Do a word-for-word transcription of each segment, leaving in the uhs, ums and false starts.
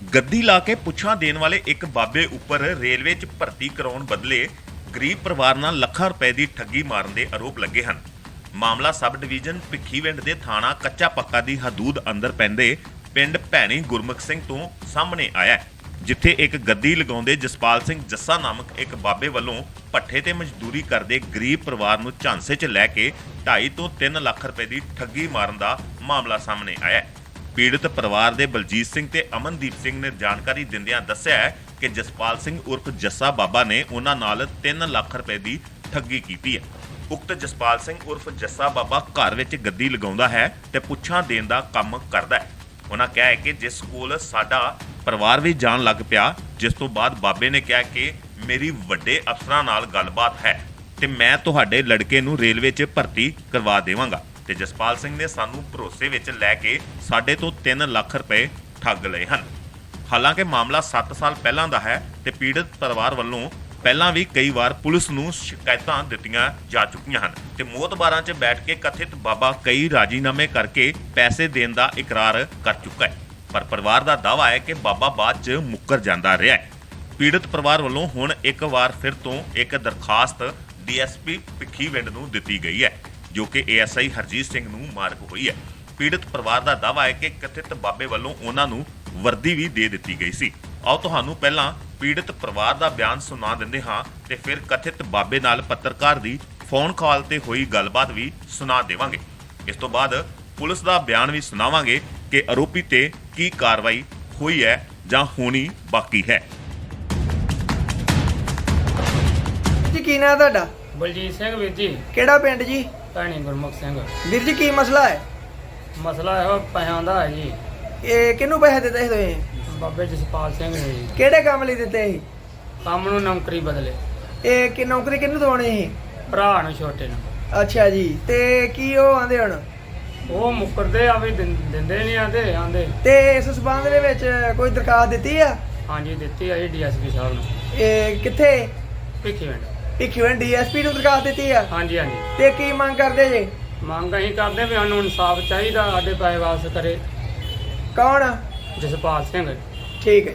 ਗੱਦੀ ਲਾ ਕੇ ਪੁੱਛਾਂ ਦੇਣ ਵਾਲੇ ਇੱਕ ਬਾਬੇ ਉੱਪਰ ਰੇਲਵੇ 'ਚ ਭਰਤੀ ਕਰਾਉਣ ਬਦਲੇ ਗਰੀਬ ਪਰਿਵਾਰ ਨਾਲ ਲੱਖਾਂ ਰੁਪਏ ਦੀ ਠੱਗੀ ਮਾਰਨ ਦੇ ਆਰੋਪ ਲੱਗੇ ਹਨ। ਮਾਮਲਾ ਸਬ ਡਿਵੀਜ਼ਨ ਭਿੱਖੀਵਿੰਡ ਦੇ ਥਾਣਾ ਕੱਚਾ ਪੱਕਾ ਦੀ ਹਦੂਦ ਅੰਦਰ ਪੈਂਦੇ ਪਿੰਡ ਭੈਣੀ ਗੁਰਮੁਖ ਸਿੰਘ ਤੋਂ ਸਾਹਮਣੇ ਆਇਆ ਹੈ, ਜਿੱਥੇ ਇੱਕ ਗੱਦੀ ਲਗਾਉਂਦੇ ਜਸਪਾਲ ਸਿੰਘ ਜੱਸਾ ਨਾਮਕ ਇੱਕ ਬਾਬੇ ਵੱਲੋਂ ਭੱਠੇ ਤੇ ਮਜ਼ਦੂਰੀ ਕਰਦੇ ਗਰੀਬ ਪਰਿਵਾਰ ਨੂੰ ਝਾਂਸੇ 'ਚ ਲੈ ਕੇ ਢਾਈ ਤੋਂ ਤਿੰਨ ਲੱਖ ਰੁਪਏ ਦੀ ਠੱਗੀ ਮਾਰਨ ਦਾ ਮਾਮਲਾ ਸਾਹਮਣੇ ਆਇਆ ਹੈ। ਪੀੜਤ ਪਰਿਵਾਰ ਦੇ ਬਲਜੀਤ ਸਿੰਘ ਤੇ ਅਮਨਦੀਪ ਸਿੰਘ ਨੇ ਜਾਣਕਾਰੀ ਦਿੰਦਿਆਂ ਦੱਸਿਆ ਹੈ ਕਿ ਜਸਪਾਲ ਸਿੰਘ ਉਰਫ ਜੱਸਾ ਬਾਬਾ ਨੇ ਉਹਨਾਂ ਨਾਲ ਤਿੰਨ ਲੱਖ ਰੁਪਏ ਦੀ ਠੱਗੀ ਕੀਤੀ ਹੈ। ਉਕਤ ਜਸਪਾਲ ਸਿੰਘ ਉਰਫ ਜੱਸਾ ਬਾਬਾ ਘਰ ਵਿੱਚ ਗੱਦੀ ਲਗਾਉਂਦਾ ਹੈ ਤੇ ਪੁੱਛਾਂ ਦੇਣ ਦਾ ਕੰਮ ਕਰਦਾ ਹੈ। ਉਹਨਾਂ ਕਿਹਾ ਹੈ ਕਿ ਜਿਸ ਕੋਲ ਸਾਡਾ ਪਰਿਵਾਰ ਵੀ ਜਾਣ ਲੱਗ ਪਿਆ, ਜਿਸ ਤੋਂ ਬਾਅਦ ਬਾਬੇ ਨੇ ਕਿਹਾ ਕਿ ਮੇਰੀ ਵੱਡੇ ਅਫਸਰਾਂ ਨਾਲ ਗੱਲਬਾਤ ਹੈ ਤੇ ਮੈਂ ਤੁਹਾਡੇ ਲੜਕੇ ਨੂੰ ਰੇਲਵੇ 'ਚ ਭਰਤੀ ਕਰਵਾ ਦੇਵਾਂਗਾ ਤੇ ਜਸਪਾਲ ਸਿੰਘ ਨੇ ਸਾਨੂੰ ਭਰੋਸੇ ਵਿੱਚ ਲੈ ਕੇ ਸਾਡੇ ਤੋਂ ਤਿੰਨ ਲੱਖ ਰੁਪਏ ਠੱਗ ਲਏ ਹਨ। ਹਾਲਾਂਕਿ ਮਾਮਲਾ ਸੱਤ ਸਾਲ ਪਹਿਲਾਂ ਦਾ ਹੈ ਤੇ ਪੀੜਤ ਪਰਿਵਾਰ ਵੱਲੋਂ ਪਹਿਲਾਂ ਵੀ ਕਈ ਵਾਰ ਪੁਲਿਸ ਨੂੰ ਸ਼ਿਕਾਇਤਾਂ ਦਿੱਤੀਆਂ ਜਾ ਚੁੱਕੀਆਂ ਹਨ ਤੇ ਮੋਹਤਬਾਰਾਂ 'ਚ ਬੈਠ ਕੇ ਕਥਿਤ ਬਾਬਾ ਕਈ ਰਾਜੀਨਾਮੇ ਕਰਕੇ ਪੈਸੇ ਦੇਣ ਦਾ ਇਕਰਾਰ ਕਰ ਚੁੱਕਾ ਹੈ, ਪਰ ਪਰਿਵਾਰ ਦਾ ਦਾਅਵਾ ਹੈ ਕਿ ਬਾਬਾ ਬਾਅਦ 'ਚ ਮੁੱਕਰ ਜਾਂਦਾ ਰਿਹਾ ਹੈ। ਪੀੜਤ ਪਰਿਵਾਰ ਵੱਲੋਂ ਹੁਣ ਇੱਕ ਵਾਰ ਫਿਰ ਤੋਂ ਇੱਕ ਦਰਖਾਸਤ ਡੀ ਐਸ ਪੀ ਭਿੱਖੀਵਿੰਡ ਨੂੰ ਦਿੱਤੀ ਗਈ ਹੈ, ਜੋ ਕਿ A S I Harjeet Singh ਨੂੰ ਮਾਰਕ ਹੋਈ ਹੈ। ਪੀੜਤ ਪਰਿਵਾਰ ਦਾ ਦਾਅਵਾ ਹੈ ਕਿ ਕਥਿਤ ਬਾਬੇ ਵੱਲੋਂ ਉਹਨਾਂ ਨੂੰ ਵਰਦੀ ਵੀ ਦੇ ਦਿੱਤੀ ਗਈ ਸੀ। ਆਓ ਤੁਹਾਨੂੰ ਪਹਿਲਾਂ ਪੀੜਤ ਪਰਿਵਾਰ ਦਾ ਬਿਆਨ ਸੁਣਾ ਦਿੰਦੇ ਹਾਂ ਤੇ ਫਿਰ ਕਥਿਤ ਬਾਬੇ ਨਾਲ ਪੱਤਰਕਾਰ ਦੀ ਫੋਨ ਕਾਲ ਤੇ ਹੋਈ ਗੱਲਬਾਤ ਵੀ ਸੁਣਾ ਦੇਵਾਂਗੇ। ਇਸ ਤੋਂ ਬਾਅਦ ਪੁਲਿਸ ਦਾ ਬਿਆਨ ਵੀ ਸੁਣਾਵਾਂਗੇ ਕਿ ਆਰੋਪੀ ਤੇ ਕੀ ਕਾਰਵਾਈ ਹੋਈ ਹੈ ਜਾਂ ਹੋਣੀ ਬਾਕੀ ਹੈ। ਜੀ ਕੀ ਨਾਂ ਤੁਹਾਡਾ? ਬਲਜੀਤ ਸਿੰਘ ਵੀਰ ਜੀ। ਕਿਹੜਾ ਪਿੰਡ ਜੀ? ਭੈਣੀ ਗੁਰਮੁਖ ਸਿੰਘ। ਵੀਰ ਜੀ ਕੀ ਮਸਲਾ ਹੈ? ਮਸਲਾ ਇਹੋ ਪੈਸਿਆਂ ਦਾ ਹੈ ਜੀ। ਇਹ ਕਿਹਨੂੰ ਪੈਸੇ ਦਿੱਤੇ ਸੀ ਤੁਸੀਂ? ਬਾਬੇ ਜਸਪਾਲ ਸਿੰਘ ਨੇ ਜੀ। ਕਿਹੜੇ ਕੰਮ ਲਈ ਦਿੱਤੇ ਸੀ? ਕੰਮ ਨੂੰ ਨੌਕਰੀ ਬਦਲੇ। ਇਹ ਕਿ ਨੌਕਰੀ ਕਿਹਨੂੰ ਦਵਾਉਣੀ ਸੀ? ਭਰਾ ਨੂੰ ਛੋਟੇ ਨੂੰ। ਅੱਛਾ ਜੀ, ਤੇ ਕੀ ਉਹ ਆਂਦੇ ਹੁਣ? ਉਹ ਮੁੱਕਰਦੇ ਆ ਵੀ ਦਿੰ- ਦਿੰਦੇ ਨਹੀਂ ਆਂਦੇ ਆਂਦੇ। ਤੇ ਇਸ ਸਬੰਧ ਦੇ ਵਿੱਚ ਕੋਈ ਦਰਖਾਸਤ ਦਿੱਤੀ ਆ? ਹਾਂਜੀ ਦਿੱਤੀ ਆ ਜੀ ਡੀ ਐਸ ਪੀ ਸਾਹਿਬ ਨੂੰ। ਇਹ ਕਿੱਥੇ? Bhikhiwind. Bhikhiwind D S P ਨੂੰ ਦਰਖਾਸਤ ਦਿੱਤੀ ਆ? ਹਾਂਜੀ ਹਾਂਜੀ। ਤੇ ਕੀ ਮੰਗ ਕਰਦੇ ਜੇ? ਮੰਗ ਅਸੀਂ ਕਰਦੇ ਵੀ ਸਾਨੂੰ ਇਨਸਾਫ ਚਾਹੀਦਾ, ਸਾਡੇ ਪੈਸੇ ਵਾਪਸ ਕਰੇ। ਕੌਣ? ਜਸਪਾਲ ਸਿੰਘ। ਠੀਕ ਹੈ।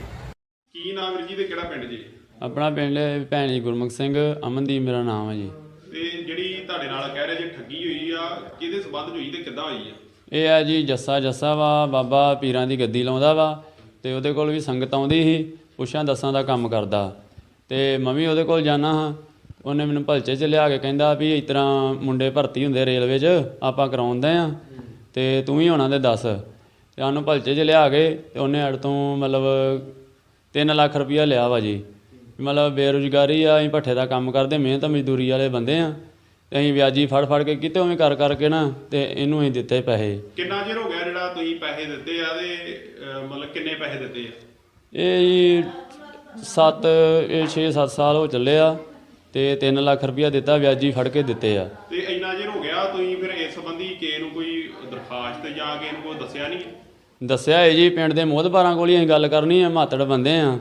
ਕੀ ਨਾਮ ਵੀਰ ਜੀ ਤੇ ਕਿਹੜਾ ਪਿੰਡ ਜੀ? ਆਪਣਾ ਪਿੰਡ ਭੈਣੀ ਗੁਰਮੁਖ ਸਿੰਘ, ਅਮਨਦੀਪ ਮੇਰਾ ਨਾਮ ਹੈ ਜੀ। ਤੇ ਜਿਹੜੀ ਤੁਹਾਡੇ ਨਾਲ ਕਹਿ ਰਹੇ ਜੇ ਠੱਗੀ ਹੋਈ ਆ, ਕਿਹਦੇ ਸਬੰਧ 'ਚ ਹੋਈ ਤੇ ਕਿੱਦਾਂ ਹੋਈ ਆ? ਇਹ ਆ ਜੀ ਜੱਸਾ ਜੱਸਾ ਵਾ, ਬਾਬਾ ਪੀਰਾਂ ਦੀ ਗੱਦੀ ਲਾਉਂਦਾ ਵਾ ਤੇ ਉਹਦੇ ਕੋਲ ਵੀ ਸੰਗਤ ਆਉਂਦੀ ਸੀ, ਪੁੱਛਾਂ ਦੱਸਾਂ ਦਾ ਕੰਮ ਕਰਦਾ ਤੇ ਮੈਂ ਵੀ ਉਹਦੇ ਕੋਲ ਜਾਣਾ ਹਾਂ। ਉਹਨੇ ਮੈਨੂੰ ਭਲਚੇ 'ਚ ਲਿਆ ਕੇ ਕਹਿੰਦਾ ਵੀ ਇਸ ਤਰ੍ਹਾਂ ਮੁੰਡੇ ਭਰਤੀ ਹੁੰਦੇ ਰੇਲਵੇ 'ਚ, ਆਪਾਂ ਕਰਾਉਂਦੇ ਆ ਤੇ ਤੂੰ ਵੀ ਹੋਣਾ ਤੇ ਦੱਸ। ਤੇ ਸਾਨੂੰ ਭਲਚੇ 'ਚ ਲਿਆ ਕੇ ਤੇ ਉਹਨੇ ਅੜ ਤੋਂ ਮਤਲਬ ਤਿੰਨ ਲੱਖ ਰੁਪਈਆ ਲਿਆ ਵਾ ਜੀ। ਮਤਲਬ ਬੇਰੁਜ਼ਗਾਰੀ ਆ, ਅਸੀਂ ਭੱਠੇ ਦਾ ਕੰਮ ਕਰਦੇ, ਮਿਹਨਤ ਮਜ਼ਦੂਰੀ ਵਾਲੇ ਬੰਦੇ ਆ ਤੇ ਅਸੀਂ ਵਿਆਜੀ ਫੜ ਫੜ ਕੇ ਕਿਤੇ ਉਵੇਂ ਕਰ ਕਰਕੇ ਨਾ ਤੇ ਇਹਨੂੰ ਅਸੀਂ ਦਿੱਤੇ ਪੈਸੇ। ਕਿੰਨਾ ਚਿਰ ਹੋ ਗਿਆ ਜਿਹੜਾ ਤੁਸੀਂ ਪੈਸੇ ਦਿੱਤੇ ਆ ਤੇ ਅਹ, ਮਤਲਬ ਕਿੰਨੇ ਪੈਸੇ ਦਿੱਤੇ ਆ? ਇਹ ਜੀ ਸੱਤ ਇਹ ਛੇ ਸੱਤ ਸਾਲ ਹੋ ਚੱਲੇ ਆ ਤੇ ਤਿੰਨ ਲੱਖ ਰੁਪਈਆ ਦਿੱਤਾ, ਵਿਆਜੀ ਫੜ ਕੇ ਦਿੱਤੇ ਆ। ਤੇ ਇੰਨਾ ਚਿਰ ਹੋ ਗਿਆ, ਤੁਸੀਂ ਫਿਰ ਇਸ ਸੰਬੰਧੀ ਕਿਸੇ ਨੂੰ ਕੋਈ ਦਰਖਾਸਤ ਜਾਂ ਕਿਸੇ ਨੂੰ ਕੋਈ ਦੱਸਿਆ ਨਹੀਂ? ਦੱਸਿਆ ਹੈ ਜੀ, ਪਿੰਡ ਦੇ ਮੋਹਤਬਾਰਾਂ ਕੋਲ ਹੀ ਅਸੀਂ ਗੱਲ ਕਰਨੀ ਆ, ਮਾਤੜ ਬੰਦੇ ਆ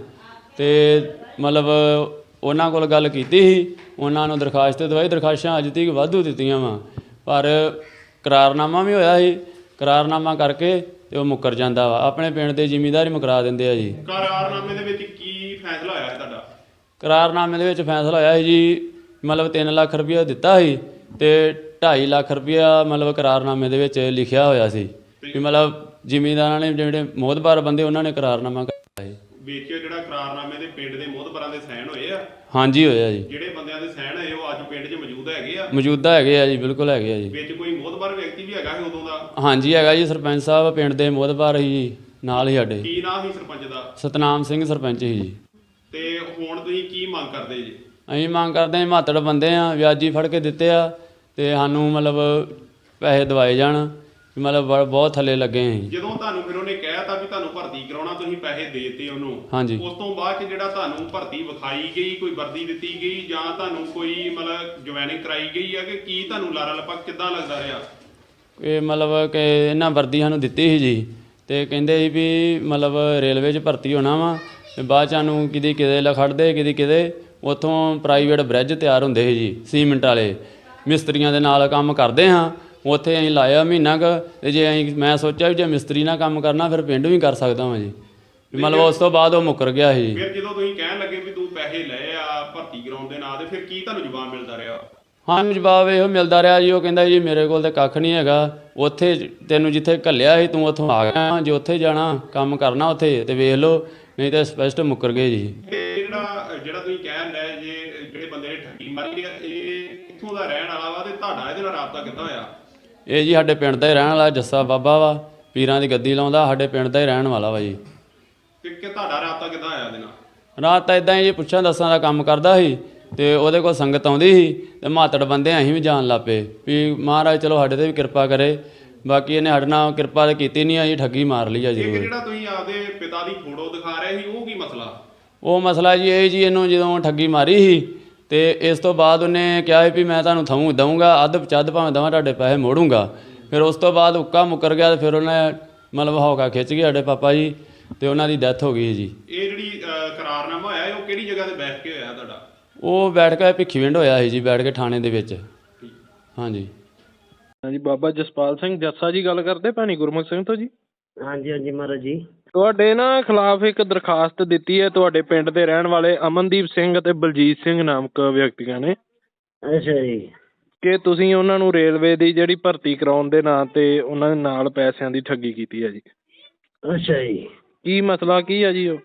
ਤੇ ਮਤਲਬ ਉਹਨਾਂ ਕੋਲ ਗੱਲ ਕੀਤੀ ਸੀ, ਉਹਨਾਂ ਨੂੰ ਦਰਖਾਸਤ ਦਵਾਈ। ਦਰਖਾਸਤਾਂ ਅੱਜ ਤੱਕ ਵਾਧੂ ਦਿੱਤੀਆਂ ਵਾ, ਪਰ ਕਰਾਰਨਾਮਾ ਵੀ ਹੋਇਆ ਸੀ, ਕਰਾਰਨਾਮਾ ਕਰਕੇ ਤੇ ਉਹ ਮੁੱਕਰ ਜਾਂਦਾ ਵਾ। ਆਪਣੇ ਪਿੰਡ ਦੇ ਜ਼ਿਮੀਂਦਾਰ ਹੀ ਮੁਕਰਾ ਦਿੰਦੇ ਆ ਜੀ। ਕਰਾਰਨਾਮੇ ਦੇ ਵਿੱਚ ਕੀ ਫੈਸਲਾ ਹੋਇਆ ਹੈ ਤੁਹਾਡਾ? ਕਰਾਰਨਾਮੇ ਦੇ ਵਿੱਚ ਫੈਸਲਾ ਹੋਇਆ ਸੀ ਜੀ, ਮਤਲਬ ਤਿੰਨ ਲੱਖ ਰੁਪਈਆ ਦਿੱਤਾ ਸੀ ਤੇ ਢਾਈ ਲੱਖ ਰੁਪਈਆ ਮਤਲਬ ਕਰਾਰਨਾਮੇ ਦੇ ਵਿੱਚ ਲਿਖਿਆ ਹੋਇਆ ਸੀ ਵੀ ਮਤਲਬ ਜ਼ਿਮੀਂਦਾਰਾਂ ਨੇ ਜਿਹੜੇ ਮੋਹਤਬਾਰ ਬੰਦੇ ਉਹਨਾਂ ਨੇ ਕਰਾਰਨਾਮਾ ਕੀਤਾ ਸੀ। ਵਿੱਚ ਜਿਹੜਾ ਕਰਾਰਨਾਮੇ ਦੇ ਪਿੰਡ ਦੇ ਮੋਹਤਬਰਾਂ ਦੇ ਸਾਈਨ ਹੋਏ ਆ? ਹਾਂਜੀ ਹੋਇਆ ਜੀ। ਜਿਹੜੇ ਬੰਦਿਆਂ ਦੇ ਸਾਈਨ ਹੋਏ ਉਹ ਅੱਜ ਪਿੰਡ 'ਚ ਮੌਜੂਦ ਹੈਗੇ ਆ? ਮੌਜੂਦਾ ਹੈਗੇ ਆ ਜੀ, ਬਿਲਕੁਲ ਹੈਗੇ ਆ ਜੀ। ਵਿੱਚ ਕੋਈ ਮੋਹਤਬਰ ਵਿਅਕਤੀ ਵੀ ਹੈਗਾ ਸੀ ਉਦੋਂ ਦਾ? ਹਾਂਜੀ ਹੈਗਾ ਜੀ, ਸਰਪੰਚ ਸਾਹਿਬ ਪਿੰਡ ਦੇ ਮੋਹਤਬਾਰ ਸੀ ਜੀ, ਨਾਲ ਹੀ ਸਾਡੇ। ਕੀ ਨਾਮ ਸੀ ਸਰਪੰਚ ਦਾ? ਸਤਨਾਮ ਸਿੰਘ ਸਰਪੰਚ ਸੀ ਜੀ। ਤੇ ਹੁਣ ਤੁਸੀਂ ਕੀ ਮੰਗ ਕਰਦੇ ਜੀ? ਅਸੀਂ ਮੰਗ ਕਰਦੇ ਹਾਂ, ਮਾਤੜ ਬੰਦੇ ਆ, ਵਿਆਜੀ ਫੜ ਕੇ ਦਿੱਤੇ ਆ ਤੇ ਸਾਨੂੰ ਮਤਲਬ ਪੈਸੇ ਦਵਾਏ ਜਾਣ, ਮਤਲਬ ਬਹੁਤ ਥੱਲੇ ਲੱਗੇ ਅਸੀਂ। ਜਦੋਂ ਤੁਹਾਨੂੰ ਫਿਰ ਉਹਨੇ ਕਹਿਤਾ ਵੀ ਤੁਹਾਨੂੰ ਭਰਤੀ ਕਰਾਉਣਾ, ਤੁਸੀਂ ਪੈਸੇ ਦੇਤੇ ਉਹਨੂੰ, ਹਾਂਜੀ। ਉਸ ਤੋਂ ਬਾਅਦ ਚ ਜਿਹੜਾ ਤੁਹਾਨੂੰ ਭਰਤੀ ਵਿਖਾਈ ਗਈ, ਕੋਈ ਵਰਦੀ ਦਿੱਤੀ ਗਈ ਜਾਂ ਤੁਹਾਨੂੰ ਕੋਈ ਮਤਲਬ ਜੁਆਇਨਿੰਗ ਕਰਾਈ ਗਈ ਆ ਕਿ ਕੀ ਤੁਹਾਨੂੰ ਲਾਰਾ ਲੱਪਾ ਕਿੱਦਾਂ ਲੱਗਦਾ ਰਿਹਾ? ਇਹ ਮਤਲਬ ਕਿ ਇਹਨਾਂ ਵਰਦੀ ਸਾਨੂੰ ਦਿੱਤੀ ਸੀ ਜੀ ਤੇ ਕਹਿੰਦੇ ਸੀ ਵੀ ਮਤਲਬ ਰੇਲਵੇ 'ਚ ਭਰਤੀ ਹੋਣਾ ਵਾ ਤੇ ਬਾਅਦ 'ਚ ਸਾਨੂੰ ਕਿਤੇ ਕਿਤੇ ਲਖੜਦੇ ਕਿਤੇ ਕਿਤੇ ਉੱਥੋਂ ਪ੍ਰਾਈਵੇਟ ਬ੍ਰਿਜ ਤਿਆਰ ਹੁੰਦੇ ਸੀ ਜੀ, ਸੀਮਿੰਟ ਵਾਲੇ ਮਿਸਤਰੀਆਂ ਦੇ ਨਾਲ ਕੰਮ ਕਰਦੇ ਹਾਂ। ਉੱਥੇ ਅਸੀਂ ਲਾਇਆ ਮਹੀਨਾ ਕੁ ਤੇ ਜੇ ਅਸੀਂ ਮੈਂ ਸੋਚਿਆ ਵੀ ਜੇ ਮਿਸਤਰੀ ਨਾਲ ਕੰਮ ਕਰਨਾ ਫਿਰ ਪਿੰਡ ਵੀ ਕਰ ਸਕਦਾ ਵਾਂ ਜੀ। ਵੀ ਮਤਲਬ ਉਸ ਤੋਂ ਬਾਅਦ ਉਹ ਮੁੱਕਰ ਗਿਆ ਸੀ। ਫਿਰ ਜਦੋਂ ਤੁਸੀਂ ਕਹਿਣ ਲੱਗੇ ਵੀ ਤੂੰ ਪੈਸੇ ਲਏ ਆ ਭਰਤੀ ਕਰਾਉਣ ਦੇ ਨਾਂ ਤੇ ਫਿਰ ਕੀ ਤੁਹਾਨੂੰ ਜਵਾਬ ਮਿਲਦਾ ਰਿਹਾ? ਸਾਨੂੰ ਜਵਾਬ ਇਹੋ ਮਿਲਦਾ ਰਿਹਾ ਜੀ, ਉਹ ਕਹਿੰਦਾ ਜੀ ਮੇਰੇ ਕੋਲ ਤਾਂ ਕੱਖ ਨਹੀਂ ਹੈਗਾ, ਉੱਥੇ ਤੈਨੂੰ ਜਿੱਥੇ ਘੱਲਿਆ ਸੀ ਤੂੰ ਉੱਥੋਂ ਆ ਗਿਆ, ਜੇ ਉੱਥੇ ਜਾਣਾ ਕੰਮ ਕਰਨਾ ਉੱਥੇ ਤੇ ਵੇਖ ਲਓ, ਨਹੀਂ ਤਾਂ ਸਪਸ਼ਟ ਮੁੱਕਰ ਗਏ ਜੀ। ਇਹ ਜਿਹੜਾ ਜਿਹੜਾ ਤੁਸੀਂ ਕਹਿਣ ਰਹੇ ਜੇ ਜਿਹੜੇ ਬੰਦੇ ਨੇ ਠੱਗੀ ਮਾਰੀ ਆ ਇਹ ਕਿੱਥੋਂ ਦਾ ਰਹਿਣ ਵਾਲਾ ਵਾ ਤੇ ਤੁਹਾਡਾ ਇਹਦੇ ਨਾਲ ਰਾਬਤਾ ਕਿੱਦਾਂ ਹੋਇਆ? ਇਹ ਜੀ ਸਾਡੇ ਪਿੰਡ ਦਾ ਹੀ ਰਹਿਣ ਵਾਲਾ ਜੱਸਾ ਬਾਬਾ ਵਾ, ਪੀਰਾਂ ਦੀ ਗੱਦੀ ਲਾਉਂਦਾ, ਸਾਡੇ ਪਿੰਡ ਦਾ ਹੀ ਰਹਿਣ ਵਾਲਾ ਵਾ ਜੀ। ਤੇ ਕਿ ਤੁਹਾਡਾ ਰਾਬਤਾ ਕਿੱਦਾਂ ਹੋਇਆ ਇਹਦੇ ਨਾਲ? ਰਾਤ ਤਾਂ ਇਦਾਂ ਹੀ ਜੀ, ਪੁੱਛਾਂ ਦੱਸਾਂ ਦਾ ਕੰਮ ਕਰਦਾ ਸੀ ਤੇ ਉਹਦੇ ਕੋਲ ਸੰਗਤ ਆਉਂਦੀ ਸੀ ਤੇ ਮਾਤੜ ਬੰਦੇ ਅਸੀਂ ਵੀ ਜਾਣ ਲੱਗ ਪਏ ਵੀ ਮਹਾਰਾਜ ਚਲੋ ਸਾਡੇ ਤੇ ਵੀ ਕਿਰਪਾ ਕਰੇ। ਬਾਕੀ ਇਹਨੇ ਸਾਡੇ ਨਾਲ ਕਿਰਪਾ ਤਾਂ ਕੀਤੀ ਨਹੀਂ ਆ ਜੀ, ਠੱਗੀ ਮਾਰ ਲਈ ਆ ਇੱਕ ਜ਼ਰੂਰ। ਜਿਹੜਾ ਤੁਸੀਂ ਆਪਦੇ ਪਿਤਾ ਦੀ ਫੋਟੋ ਦਿਖਾ ਰਹੇ ਸੀ ਉਹ ਕੀ ਮਸਲਾ? ਉਹ ਮਸਲਾ ਜੀ ਇਹ ਜੀ, ਇਹਨੂੰ ਜਦੋਂ ਠੱਗੀ ਮਾਰੀ ਸੀ ਤੇ ਇਸ ਤੋਂ ਬਾਅਦ ਉਹਨੇ ਕਿਹਾ ਵੀ ਮੈਂ ਤੁਹਾਨੂੰ ਥਮੂ ਦਊਂਗਾ, ਅੱਧ ਪਚੱਧ ਭਾਵੇਂ ਦਵਾਂ ਤੁਹਾਡੇ ਪੈਸੇ ਮੋੜੂੰਗਾ। ਫਿਰ ਉਸ ਤੋਂ ਬਾਅਦ ਉੱਕਾ ਮੁੱਕਰ ਗਿਆ ਤੇ ਫਿਰ ਉਹਨੇ ਮਤਲਬ ਹੌਕਾ ਖਿੱਚ ਗਏ ਸਾਡੇ ਪਾਪਾ ਜੀ ਤੇ ਉਹਨਾਂ ਦੀ ਡੈਥ ਹੋ ਗਈ ਜੀ। ਇਹ ਜਿਹੜੀ ਅਹ, ਕਰਾਰਨਾਮਾ ਹੋਇਆ ਉਹ ਕਿਹੜੀ ਜਗ੍ਹਾ ਤੇ ਬੈਠ ਕੇ ਹੋਇਆ ਤੁਹਾਡਾ? ਉਹ ਬੈਠ ਕੇ ਭਿੱਖੀਵਿੰਡ ਹੋਇਆ ਸੀ ਜੀ, ਬੈਠ ਕੇ ਥਾਣੇ ਦੇ ਵਿੱਚ। ਹਾਂਜੀ ਹਾਂਜੀ, ਬਾਬਾ ਜਸਪਾਲ ਸਿੰਘ ਜੱਸਾ ਜੀ ਗੱਲ ਕਰਦੇ, ਭੈਣੀ ਗੁਰਮੁਖ ਸਿੰਘ ਤੋਂ ਜੀ? ਹਾਂਜੀ ਹਾਂਜੀ ਮਹਾਰਾਜ ਜੀ। ਤੁਹਾਡੇ ਨਾ ਖਿਲਾਫ ਇੱਕ ਦਰਖਾਸਤ ਦਿੱਤੀ ਹੈ ਤੁਹਾਡੇ ਪਿੰਡ ਦੇ ਰਹਿਣ ਵਾਲੇ ਅਮਨਦੀਪ ਸਿੰਘ ਅਤੇ ਬਲਜੀਤ ਸਿੰਘ ਨਾਮਕ ਵਿਅਕਤੀਆਂ ਨੇ। ਅੱਛਾ ਜੀ। ਕਿ ਤੁਸੀਂ ਉਹਨਾਂ ਨੂੰ ਰੇਲਵੇ ਦੀ ਜਿਹੜੀ ਭਰਤੀ ਕਰਾਉਣ ਦੇ ਨਾਂ ਤੇ ਉਹਨਾਂ ਦੇ ਨਾਲ ਪੈਸਿਆਂ ਦੀ ਠੱਗੀ ਕੀਤੀ ਹੈ ਜੀ। ਅੱਛਾ ਜੀ। ਕੀ ਮਸਲਾ ਕੀ ਹੈ ਜੀ ਉਹ?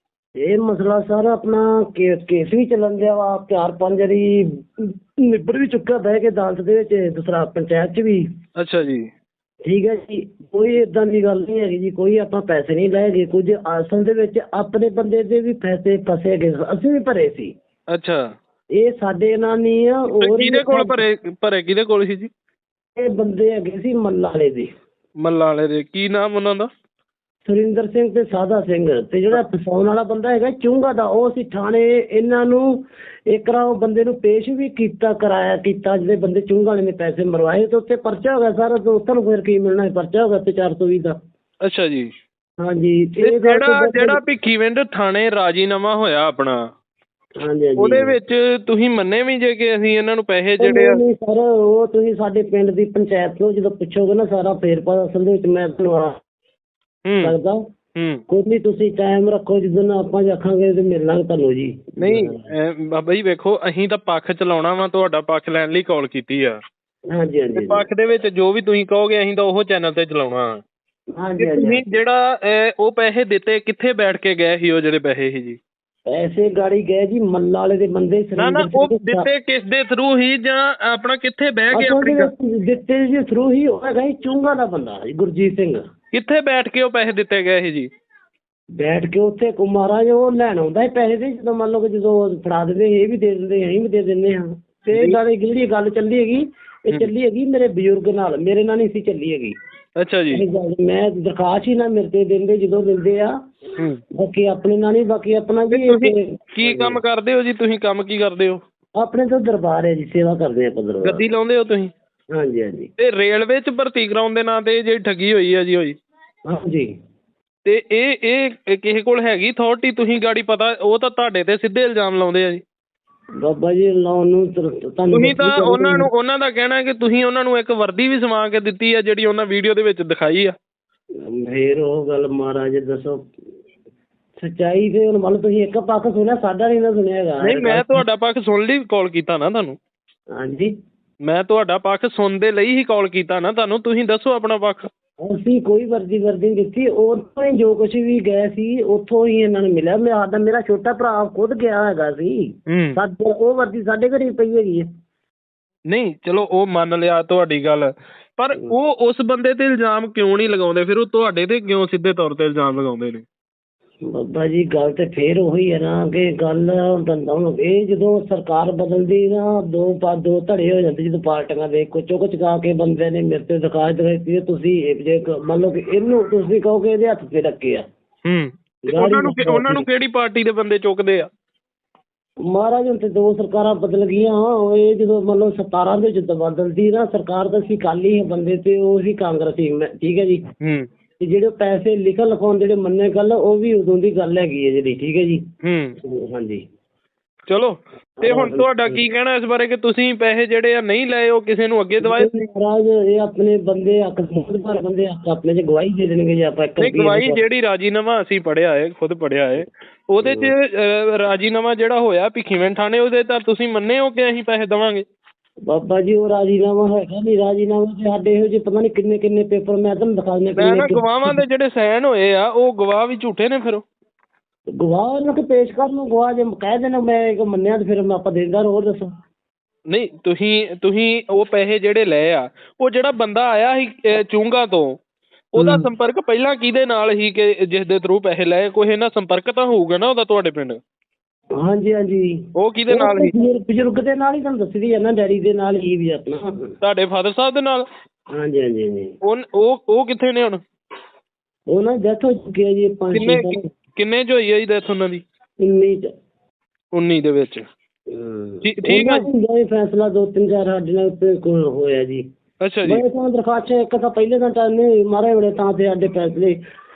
ਇਹ ਮਸਲਾ ਸਰ ਆਪਣਾ ਕੇਸ ਕੇਸ ਵੀ ਚੱਲਣ ਦਿਆ ਵਾ, ਚਾਰ ਪੰਜ ਵਾਰੀ ਨਿਬੜ ਵੀ ਚੁੱਕਾ ਬਹਿ ਕੇ ਅਦਾਲਤ ਦੇ ਵਿੱਚ, ਦੂਸਰਾ ਪੰਚਾਇਤ 'ਚ ਵੀ। ਅੱਛਾ ਜੀ। ਠੀਕ ਹੈ ਜੀ, ਕੋਈ ਇਦਾਂ ਦੀ ਗੱਲ ਨਹੀਂ ਹੈਗੀ ਜੀ, ਕੋਈ ਆਪਾਂ ਪੈਸੇ ਨਹੀਂ ਲਏ ਗਏ। ਕੁਝ ਅਸਲ ਦੇ ਵਿੱਚ ਆਪਣੇ ਬੰਦੇ ਦੇ ਵੀ ਪੈਸੇ ਫਸੇ ਗਏ, ਅਸੀਂ ਵੀ ਭਰੇ ਸੀ। ਅੱਛਾ, ਇਹ ਸਾਡੇ ਨਾਲ ਨਹੀਂ ਆ। ਤੇ ਹੋਰ ਕਿਹਦੇ ਕੋਲ ਭਰੇ ਭਰੇ ਕਿਹਦੇ ਕੋਲ ਸੀ ਜੀ? ਇਹ ਬੰਦੇ ਹੈਗੇ ਸੀ ਮੱਲਾ ਵਾਲੇ ਦੇ। ਮੱਲਾ ਵਾਲੇ ਦੇ ਕੀ ਨਾਮ ਉਹਨਾਂ ਦਾ? ਸੁਰਿੰਦਰ ਸਿੰਘ ਤੇ ਸਾਦਾ ਸਿੰਘ। ਤੇ ਜਿਹੜਾ ਫਸਾਉਣ ਵਾਲਾ ਬੰਦਾ ਹੈਗਾ ਚੁੰਗਾ ਦਾ, ਉਹ ਅਸੀਂ ਥਾਣੇ ਇਹਨਾਂ ਨੂੰ ਇੱਕ ਵਾਰ ਉਹ ਬੰਦੇ ਨੂੰ ਪੇਸ਼ ਵੀ ਕੀਤਾ ਕਰਾਇਆ ਕੀਤਾ, ਜਿਹੜੇ ਬੰਦੇ ਚੁੰਗਾ ਵਾਲੇ ਨੇ ਪੈਸੇ ਮਰਵਾਏ ਤੇ ਉੱਤੇ ਪਰਚਾ ਹੋ ਗਿਆ ਸਾਰਾ। ਤੇ ਉੱਥੇ ਨੂੰ ਫਿਰ ਕੀ ਮਿਲਣਾ, ਪਰਚਾ ਹੋ ਗਿਆ ਤੇ ਚਾਰ ਸੌ ਵੀਹ ਦਾ। ਅੱਛਾ ਜੀ। ਹਾਂਜੀ। ਤੇ ਜਿਹੜਾ ਜਿਹੜਾ ਭਿੱਖੀਵਿੰਡ ਥਾਣੇ ਰਾਜੀਨਾਮਾ ਹੋਇਆ ਆਪਣਾ, ਹਾਂਜੀ ਹਾਂਜੀ, ਉਹਦੇ ਵਿੱਚ ਤੁਸੀਂ ਮੰਨੇ ਵੀ ਜੇ ਕਿ ਅਸੀਂ ਇਹਨਾਂ ਨੂੰ ਪੈਸੇ ਜਿਹੜੇ ਆ? ਨਹੀਂ ਸਰ, ਉਹ ਤੁਸੀਂ ਸਾਡੇ ਪਿੰਡ ਦੀ ਪੰਚਾਇਤ ਤੋਂ ਜਦੋਂ ਪੁੱਛੋਗੇ ਨਾ ਸਾਰਾ ਫੇਰ ਪਾ ਅਸਲ ਦੇ ਵਿੱਚ ਮੈਂ ਤੁਹਾਨੂੰ ਆ ਸਕਦਾ। ਹੂੰ, ਕੋਈ ਨਹੀਂ, ਤੁਸੀਂ ਟਾਈਮ ਰੱਖੋ, ਜਿੱਦਣ ਆਪਾਂ ਆਖਾਂਗੇ ਤੇ ਮਿਲ ਲਾਂਗੇ ਤੁਹਾਨੂੰ ਜੀ। ਨਹੀਂ ਬਾਬਾ ਜੀ ਵੇਖੋ, ਅਸੀਂ ਤਾਂ ਪੱਖ ਚਲਾਉਣਾ ਵਾ, ਤੁਹਾਡਾ ਪੱਖ ਲੈਣ ਲਈ ਕਾਲ ਕੀਤੀ ਆ। ਹਾਂਜੀ ਹਾਂਜੀ ਪੱਖ ਦੇ ਵਿੱਚ ਜੋ ਵੀ ਤੁਸੀਂ ਕਹੋਗੇ ਅਸੀਂ ਤਾਂ ਉਹ ਚੈਨਲ ਤੇ ਚਲਾਉਣਾ। ਹਾਂਜੀ ਤੁਸੀਂ ਹਾਂਜੀ। ਜਿਹੜਾ ਅਹ, ਉਹ ਪੈਸੇ ਦਿੱਤੇ ਕਿੱਥੇ ਬੈਠ ਕੇ ਗਏ ਸੀ ਉਹ ਜਿਹੜੇ ਪੈਸੇ ਸੀ ਜੀ? ਪੈਸੇ ਗਾੜੀ ਗਏ ਜੀ ਮੱਲਾ ਵਾਲੇ ਦੇ ਬੰਦੇ। ਨਾ ਨਾ, ਉਹ ਦਿੱਤੇ ਕਿਸ ਦੇ ਥਰੂ ਹੀ ਜਾਂ ਆਪਣਾ ਕਿੱਥੇ ਬਹਿ ਕੇ ਆਪਣੀ ਗੱਲ- ਦਿੱਤੇ ਜੀ ਥਰੂ ਹੀ ਉਹ ਹੈਗਾ ਜੀ ਚੁੰਗਾ ਦਾ ਬੰਦਾ ਜੀ, ਗੁਰਜੀਤ ਸਿੰਘ। ਕਿੱਥੇ ਬੈਠ ਕੇ ਉਹ ਪੈਸੇ ਦਿੱਤੇ ਗਏ ਸੀ ਜੀ? ਬੈਠ ਕੇ ਉੱਥੇ ਮਹਾਰਾਜ ਉਹ ਲੈਣ ਆਉਂਦਾ ਹੈ ਪੈਸੇ ਦੇ, ਜਦੋਂ ਮੰਨ ਲਓ ਕਿ ਜਦੋਂ ਫੜਾ ਦਿੰਦੇ ਇਹ ਵੀ ਦੇ ਦਿੰਦੇ ਅਸੀਂ ਵੀ ਦੇ ਦਿੰਦੇ ਹਾਂ। ਤੇ ਇਹ ਗੱਲ ਜਿਹੜੀ ਗੱਲ ਚੱਲੀ ਹੈਗੀ, ਇਹ ਚੱਲੀ ਹੈਗੀ ਮੇਰੇ ਬਜ਼ੁਰਗ ਨਾਲ, ਮੇਰੇ ਨਾਲ ਨਹੀਂ ਸੀ ਚੱਲੀ ਹੈਗੀ। ਅੱਛਾ ਜੀ। ਮੈਂ ਦਰਖਾਸਤ ਹੀ ਨਾ ਮੇਰੇ ਤੇ ਦਿੰਦੇ, ਜਦੋਂ ਦਿੰਦੇ ਆ ਬਾਕੀ ਆਪਣੇ ਨਾਲ ਨਹੀਂ, ਬਾਕੀ ਆਪਣਾ ਜੀ। ਤੁਸੀਂ ਕੀ ਕੰਮ ਕਰਦੇ ਹੋ ਜੀ? ਤੁਸੀਂ ਕੰਮ ਕੀ ਕਰਦੇ ਹੋ? ਆਪਣੇ ਤੋਂ ਦਰਬਾਰ ਹੈ ਜੀ, ਸੇਵਾ ਕਰਦੇ ਆਪਾਂ ਦਰਬਾਰ। ਗੱਦੀ ਲਾਉਂਦੇ ਹੋ ਤੁਸੀਂ? ਹਾਂਜੀ ਹਾਂਜੀ। ਤੇ ਰੇਲਵੇ 'ਚ ਭਰਤੀ ਕਰਾਉਣ ਦੇ ਨਾਂ ਤੇ ਜਿਹੜੀ ਠੱਗੀ ਹੋਈ ਹੈ ਜੀ ਹੋਈ, ਹਾਂਜੀ। ਤੇ ਇਹ ਇਹ ਕਿਸੇ ਕੋਲ ਹੈਗੀ ਅਥਾਰਟੀ? ਤੁਸੀਂ ਗਾੜੀ ਪਤਾ, ਉਹ ਤਾਂ ਤੁਹਾਡੇ ਤੇ ਸਿੱਧੇ ਇਲਜ਼ਾਮ ਲਾਉਂਦੇ ਆ ਜੀ। ਬਾਬਾ ਜੀ ਲਾਉਣ ਨੂੰ ਤੁਹਾਨੂੰ ਤੁਸੀਂ ਤਾਂ ਉਹਨਾਂ ਨੂੰ, ਉਹਨਾਂ ਦਾ ਕਹਿਣਾ ਕਿ ਤੁਸੀਂ ਉਹਨਾਂ ਨੂੰ ਇੱਕ ਵਰਦੀ ਵੀ ਸਵਾ ਕੇ ਦਿੱਤੀ ਆ ਜਿਹੜੀ ਉਹਨਾਂ ਵੀਡੀਓ ਦੇ ਵਿੱਚ ਦਿਖਾਈ ਆ। ਫੇਰ ਉਹ ਗੱਲ ਮਹਾਰਾਜ ਦੱਸੋ ਸੱਚਾਈ। ਤੇ ਹੁਣ ਮੰਨ ਲਓ ਤੁਸੀਂ ਇੱਕ ਪੱਖ ਸੁਣਿਆ, ਸਾਡਾ ਨਹੀਂ ਨਾ ਸੁਣਿਆ ਹੈਗਾ। ਨਹੀਂ, ਮੈਂ ਤੁਹਾਡਾ ਪੱਖ ਸੁਣ ਲਈ ਕਾਲ ਕੀਤਾ ਨਾ ਤੁਹਾਨੂੰ। ਹਾਂਜੀ, ਮੈਂ ਤੁਹਾਡਾ ਪੱਖ ਸੁਣਨ ਦੇ ਲਈ ਹੀ ਕਾਲ ਕੀਤਾ ਨਾ ਤੁਹਾਨੂੰ। ਤੁਸੀਂ ਦੱਸੋ ਆਪਣਾ ਪੱਖ। ਅਸੀਂ ਕੋਈ ਵਰਦੀ ਵਰਦੀ ਨਹੀਂ ਦਿੱਤੀ, ਉੱਥੋਂ ਹੀ ਜੋ ਕੁਛ ਵੀ ਗਏ ਸੀ ਉੱਥੋਂ ਹੀ ਇਹਨਾਂ ਨੂੰ ਮਿਲਿਆ। ਮੈਂ ਆਦਾ ਮੇਰਾ ਛੋਟਾ ਭਰਾ ਖੁਦ ਗਿਆ ਹੈਗਾ ਸੀ, ਸਾਡੇ ਉਹ ਵਰਦੀ ਸਾਡੇ ਘਰੇ ਪਈ ਹੈਗੀ ਹੈ। ਨਹੀਂ ਚਲੋ ਉਹ ਮੰਨ ਲਿਆ ਤੁਹਾਡੀ ਗੱਲ, ਪਰ ਉਹ ਉਸ ਬੰਦੇ ਤੇ ਇਲਜ਼ਾਮ ਕਿਉਂ ਨਹੀਂ ਲਗਾਉਂਦੇ? ਫਿਰ ਉਹ ਤੁਹਾਡੇ ਤੇ ਕਿਉਂ ਸਿੱਧੇ ਤੌਰ ਤੇ ਇਲਜ਼ਾਮ ਲਗਾਉਂਦੇ ਨੇ? ਬਾਬਾ ਜੀ ਗੱਲ ਤੇ ਫੇਰ ਉਹੀ ਹੈ ਨਾ ਕਿ ਗੱਲ ਇਹ ਜਦੋਂ ਸਰਕਾਰ ਬਦਲਦੀ ਨਾ, ਦੋ ਪਾ ਦੋ ਧੜੇ ਹੋ ਜਾਂਦੇ ਜਦੋਂ ਪਾਰਟੀਆਂ ਦੇ ਕੁਚੋ ਕੁ ਚੁਕਾ ਕੇ ਬੰਦੇ ਨੇ ਮੇਰੇ ਤੇ ਦਿਖਾਜ ਦਿੱਤੀ। ਤੁਸੀਂ ਜੇ ਮੰਨ ਲਓ ਕਿ ਇਹਨੂੰ ਤੁਸੀਂ ਕਹੋ ਕਿ ਇਹਦੇ ਹੱਥ ਤੇ ਰੱਖੇ ਆ। ਹੂੰ, ਉਹਨਾਂ ਨੂੰ ਉਹਨਾਂ ਨੂੰ ਕਿਹੜੀ ਪਾਰਟੀ ਦੇ ਬੰਦੇ ਚੁੱਕਦੇ ਆ? ਮਹਾਰਾਜ ਹੁਣ ਤੇ ਦੋ ਸਰਕਾਰਾਂ ਬਦਲ ਗਈਆਂ। ਇਹ ਜਦੋਂ ਮੰਨ ਲਓ ਸਤਾਰਾਂ ਦੇ ਵਿੱਚ ਬਦਲਦੀ ਨਾ ਸਰਕਾਰ, ਤਾਂ ਅਸੀਂ ਕਾਲੀ ਬੰਦੇ ਤੇ ਉਹ ਸੀ ਕਾਂਗਰਸੀ। ਠੀਕ ਹੈ ਜੀ। ਹੂੰ। ਤੇ ਜਿਹੜੇ ਪੈਸੇ ਲਿਖਣ ਲਿਖਾਉਣ ਜਿਹੜੇ ਮੰਨੇ ਗੱਲ, ਉਹ ਵੀ ਉਦੋਂ ਦੀ ਗੱਲ ਹੈਗੀ ਹੈ ਜਿਹੜੀ। ਠੀਕ ਹੈ ਜੀ। ਹੂੰ। ਹਾਂਜੀ। ਚਲੋ ਤੇ ਹੁਣ ਤੁਹਾਡਾ ਕੀ ਕਹਿਣਾ ਇਸ ਬਾਰੇ ਕਿ ਤੁਸੀਂ ਪੈਸੇ ਜਿਹੜੇ ਆ ਨਹੀਂ ਲਏ ਉਹ ਕਿਸੇ ਨੂੰ ਅੱਗੇ ਦਵਾਏ? ਮਹਾਰਾਜ ਇਹ ਆਪਣੇ ਬੰਦੇ ਹੱਕ ਪਰ ਬੰਦੇ ਹੱਕ ਆਪਣੇ ਚ ਗਵਾਹੀ ਦੇ ਦੇਣਗੇ ਜੇ ਆਪਾਂ ਇੱਕ ਨਹੀਂ, ਗਵਾਹੀ ਜਿਹੜੀ ਰਾਜੀਨਾਮਾ ਅਸੀਂ ਪੜ੍ਹਿਆ ਹੈ, ਖੁਦ ਪੜ੍ਹਿਆ ਹੈ, ਉਹਦੇ 'ਚ ਅਹ, ਰਾਜੀਨਾਮਾ ਜਿਹੜਾ ਹੋਇਆ ਭਿੱਖੀਵਿੰਡ ਥਾਣੇ ਉਹਦੇ ਤਾਂ ਤੁਸੀਂ ਮੰਨੇ ਹੋ ਕਿ ਅਸੀਂ ਪੈਸੇ ਦੇਵਾਂਗੇ? ਬਾਬਾ ਜੀ ਉਹ ਰਾਜੀਨਾਮਾ ਹੈਗਾ ਨਹੀਂ, ਰਾਜੀਨਾਮਾ ਤੇ ਸਾਡੇ ਇਹੋ ਜਿਹੇ ਪਤਾ ਨਹੀਂ ਕਿੰਨੇ ਕਿੰਨੇ ਪੇਪਰ ਮੈਂ ਤੁਹਾਨੂੰ ਦਿਖਾ ਦਿੰਦਾ। ਮੈਂ ਨਾ ਗਵਾਹਾਂ ਦੇ ਜਿਹੜੇ ਸਾਈਨ ਹੋਏ ਆ ਉਹ ਗਵਾਹ ਵੀ ਝੂਠੇ ਨੇ ਫਿਰ ਉਹ? ਗਵਾਹ ਉਹਨਾਂ ਕੇ ਪੇਸ਼ ਕਰ ਨੂੰ ਗਵਾਹ ਜੇ ਕਹਿ ਦੇਣਾ ਮੈਂ ਇੱਕ ਮੰਨਿਆ ਤੇ ਫਿਰ ਮੈਂ ਆਪਾਂ ਦੇਂਦਾ। ਹੋਰ ਦੱਸੋ। ਨਹੀਂ, ਤੁਸੀਂ ਤੁਸੀਂ ਉਹ ਪੈਸੇ ਜਿਹੜੇ ਲਏ ਆ, ਉਹ ਜਿਹੜਾ ਬੰਦਾ ਆਇਆ ਸੀ ਅਹ, ਚੂੰਗਾ ਤੋਂ, ਉਹਦਾ ਸੰਪਰਕ ਪਹਿਲਾਂ ਕਿਹਦੇ ਨਾਲ ਸੀ ਕਿ ਜਿਸ ਦੇ ਥਰੂ ਪੈਸੇ ਲਏ? ਕੋਈ ਇਹਨਾਂ ਸੰਪਰਕ ਤਾਂ ਹੋਊਗਾ ਨਾ ਉਹਦਾ ਤੁਹਾਡੇ ਪਿੰਡ? ਹਾਂਜੀ ਹਾਂਜੀ। ਉਹ ਕਿਹਦੇ ਨਾਲ ਸੀ? ਬਜ਼ੁਰਗ ਦੇ ਨਾਲ ਹੀ ਤੁਹਾਨੂੰ ਦੱਸਦੀ ਹੈ ਨਾ, ਡੈਡੀ ਦੇ ਨਾਲ ਹੀ ਵੀ ਆਪਣਾ। ਤੁਹਾਡੇ ਫਾਦਰ ਸਾਹਿਬ ਦੇ ਨਾਲ? ਹਾਂਜੀ ਹਾਂਜੀ ਹਾਂਜੀ। ਉਹ ਉਹ ਉਹ ਕਿੱਥੇ ਨੇ ਹੁਣ? ਉਹ ਨਾ ਡੈਥ ਹੋ ਚੁੱਕੀ ਹੈ ਜੀ ਪੰਜ ਕਿੰਨੇ ਛੇ ਸਾਲ। ਕਿੰਨੇ 'ਚ ਹੋਈ ਹੈ ਜੀ ਡੈਥ ਉਹਨਾਂ ਦੀ? ਉੱਨੀ ਚ। ਉੱਨੀ ਦੇ ਵਿੱਚ। ਹਮ। ਠੀਕ- ਠੀਕ ਆ ਜੀ। ਹੁੰਦਾ ਇਹ ਫੈਸਲਾ ਦੋ ਤਿੰਨ ਚਾਰ ਸਾਡੇ ਨਾਲ ਉੱਤੇ ਕੋਲ ਹੋਇਆ ਜੀ। ਅੱਛਾ ਜੀ। ਮੈਂ ਤਾਂ ਦਰਖਾਸਤ ਇੱਕ ਤਾਂ ਪਹਿਲੇ ਤਾਂ ਟਾਈਮ ਨਹੀਂ ਮਾਰੇ ਬੜੇ ਤਾਂ ਤੇ ਸਾਡੇ ਫੈਸਲੇ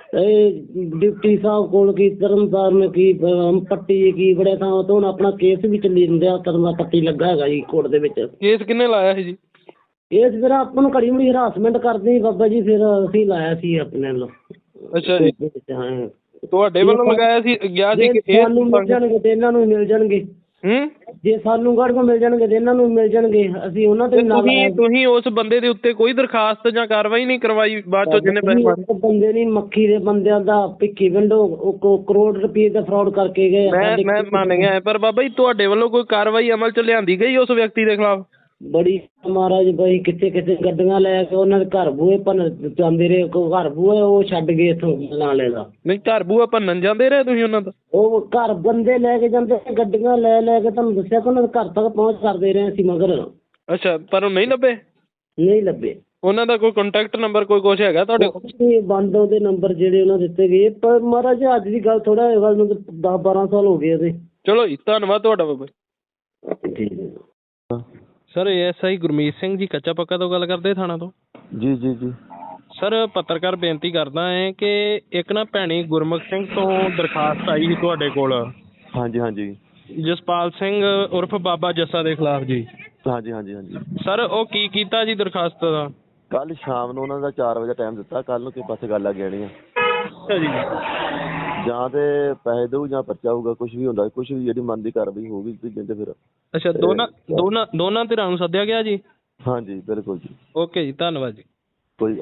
ਇਹ ਡਿਪਟੀ ਸਾਹਿਬ ਕੋਲ ਕੀ ਤਰਨਤਾਰਨ ਨੇ ਕੀ ਅਮ, ਪੱਟੀ ਕੀ ਬੜੇ ਥਾਂ ਤੋਂ ਹੁਣ ਆਪਣਾ ਕੇਸ ਵੀ ਚੱਲੀ ਜਾਂਦਾ ਤਰਨਾ ਪੱਟੀ ਲੱਗਾ ਹੈਗਾ ਜੀ ਕੋਰਟ ਦੇ ਵਿੱਚ। ਕੇਸ ਕਿੰਨੇ ਲਾਇਆ ਸੀ ਜੀ? ਇਸ ਫਿਰ ਆਪਾਂ ਨੂੰ ਘੜੀ ਮੁੜੀ ਹਰਾਸਮੈਂਟ ਕਰਦੇ ਸੀ ਬਾਬਾ ਜੀ, ਫਿਰ ਅਸੀਂ ਲਾਇਆ ਸੀ ਆਪਣੇ ਵੱਲੋਂ। ਅੱਛਾ ਜੀ। ਹਾਂ। ਤੁਹਾਡੇ ਵੱਲੋਂ ਲਗਾਇਆ ਸੀ, ਗਿਆ ਸੀ ਕਿ ਜੇ ਸਾਨੂੰ ਮਿਲ ਜਾਣਗੇ ਤੇ ਇਹਨਾਂ ਨੂੰ ਵੀ ਮਿਲ ਜਾਣਗੇ। ਹੂੰ? ਜੇ ਸਾਨੂੰ ਗੜ ਕੋ ਮਿਲ ਜਾਣਗੇ ਤੇ ਇਹਨਾਂ ਨੂੰ ਵੀ ਮਿਲ ਜਾਣਗੇ। ਅਸੀਂ ਉਹਨਾਂ ਤੇ ਤੇ ਵੀ ਨਾਲ ਤੁਸੀਂ ਤੁਸੀਂ ਉਸ ਬੰਦੇ ਦੇ ਉੱਤੇ ਕੋਈ ਦਰਖਾਸਤ ਜਾਂ ਕਾਰਵਾਈ ਨਹੀਂ ਕਰਵਾਈ ਬਾਅਦ ਚੋਂ ਜਿਹਨੇ ਪੈਸੇ ਮਾਰੇ? ਬੰਦੇ ਨਹੀਂ ਮੱਖੀ ਦੇ ਬੰਦਿਆਂ ਦਾ ਭਿੱਖੀ ਵਿੰਡੋ ਉਹ ਕੋ- ਕਰੋੜ ਰੁਪਏ ਦਾ ਫਰਾਡ ਕਰਕੇ ਗਏ ਆ। ਮੈਂ ਸਾਡੇ ਮੈਂ ਮੰਨ ਗਿਆ, ਪਰ ਬਾਬਾ ਜੀ ਤੁਹਾਡੇ ਵੱਲੋਂ ਕੋਈ ਕਾਰਵਾਈ ਅਮਲ 'ਚ ਲਿਆਂਦੀ ਗਈ ਉਸ ਵਿਅਕਤੀ ਦੇ ਖਿਲਾਫ? ਬੜੀ ਮਹਾਰਾਜ ਬਈ ਕਿੱਥੇ ਕਿੱਥੇ ਗੱਡੀਆਂ ਲੈ ਕੇ ਉਹਨਾਂ ਦੇ ਘਰ ਬੂਹੇ ਭੰਨ ਜਾਂਦੇ ਰਹੇ। ਕੋ ਘਰ ਬੂਹੇ ਉਹ ਛੱਡ ਗਏ ਇੱਥੋਂ ਨਾਲੇ ਦਾ। ਨਹੀਂ, ਘਰ ਬੂਆ ਭੰਨਣ ਜਾਂਦੇ ਰਹੇ ਤੁਸੀਂ ਉਹਨਾਂ ਦਾ? ਉਹ ਘਰ ਬੰਦੇ ਲੈ ਕੇ ਜਾਂਦੇ ਗੱਡੀਆਂ ਲੈ ਲੈ ਕੇ, ਤੁਹਾਨੂੰ ਦੱਸਿਆ ਕਿ ਉਹਨਾਂ ਦੇ ਘਰ ਤੱਕ ਪਹੁੰਚ ਕਰਦੇ ਰਹੇ ਅਸੀਂ ਮਗਰ। ਅੱਛਾ, ਪਰ ਉਹ ਨਹੀਂ ਲੱਭੇ? ਨਹੀਂ ਲੱਭੇ। ਉਹਨਾਂ ਦਾ ਕੋਈ ਕੰਟੈਕਟ ਨੰਬਰ ਕੋਈ ਕੁਛ ਹੈਗਾ ਤੁਹਾਡੇ ਕੋਲ? ਇਹ ਬੰਦ ਉਹਦੇ ਨੰਬਰ ਜਿਹੜੇ ਉਹਨਾਂ ਦਿੱਤੇ ਗਏ, ਪਰ ਮਹਾਰਾਜ ਅੱਜ ਦੀ ਗੱਲ ਥੋੜਾ ਗੱਲ ਨੂੰ ਦਸ ਬਾਰਾਂ ਸਾਲ ਹੋ ਗਏ ਉਹਦੇ। ਚਲੋ ਜੀ, ਧੰਨਵਾਦ ਤੁਹਾਡਾ ਬਾਬਾ ਜੀ। ਠੀਕ ਹੈ। Sir, S I Gurmeet Singh ji ਕੱਚਾ ਪੱਕਾ ਤੋਂ ਗੱਲ ਕਰਦੇ ਥਾਣਾ ਤੋਂ? ਜੀ ਜੀ ਜੀ। ਸਰ, ਪੱਤਰਕਾਰ ਬੇਨਤੀ ਕਰਦਾ ਹੈ ਕਿ ਇੱਕ ਨਾ ਭੈਣੀ ਗੁਰਮੁਖ ਸਿੰਘ ਤੋਂ ਦਰਖਾਸਤ ਆਈ ਸੀ ਤੁਹਾਡੇ ਕੋਲ, ਹਾਂਜੀ ਹਾਂਜੀ ਜਸਪਾਲ ਸਿੰਘ ਉਰਫ ਬਾਬਾ ਜੱਸਾ ਦੇ ਖਿਲਾਫ ਜੀ। ਹਾਂਜੀ ਹਾਂਜੀ ਹਾਂਜੀ। ਸਰ, ਉਹ ਕੀ ਕੀਤਾ ਜੀ ਦਰਖਾਸਤ ਦਾ? ਕੱਲ ਸ਼ਾਮ ਨੂੰ ਉਹਨਾਂ ਦਾ ਚਾਰ ਵਜੇ ਟਾਈਮ ਦਿੱਤਾ, ਕੱਲ ਨੂੰ ਕਿਸੇ ਪਾਸੇ ਗੱਲ ਆ ਗਈ ਆ। ਅੱਛਾ ਜੀ। ਜਾਂ ਤੇ ਪੈਸੇ ਦਊ ਜਾਂ ਪਰਚਾ ਹੋਊਗਾ, ਕੁਝ ਵੀ ਹੁੰਦਾ, ਕੁਝ ਵੀ ਜਿਹੜੀ ਮਨ ਦੀ ਕਾਰਵਾਈ ਹੋਊਗੀ ਤੇ ਜਿੰਦੇ ਫਿਰ। ਅੱਛਾ, ਦੋਨਾਂ ਦੋਨਾਂ ਦੋਨਾਂ ਧਿਰਾਂ ਨੂੰ ਸੱਦਿਆ ਗਿਆ ਜੀ? ਹਾਂਜੀ ਬਿਲਕੁਲ ਜੀ। ਓਕੇ ਜੀ, ਧੰਨਵਾਦ ਜੀ।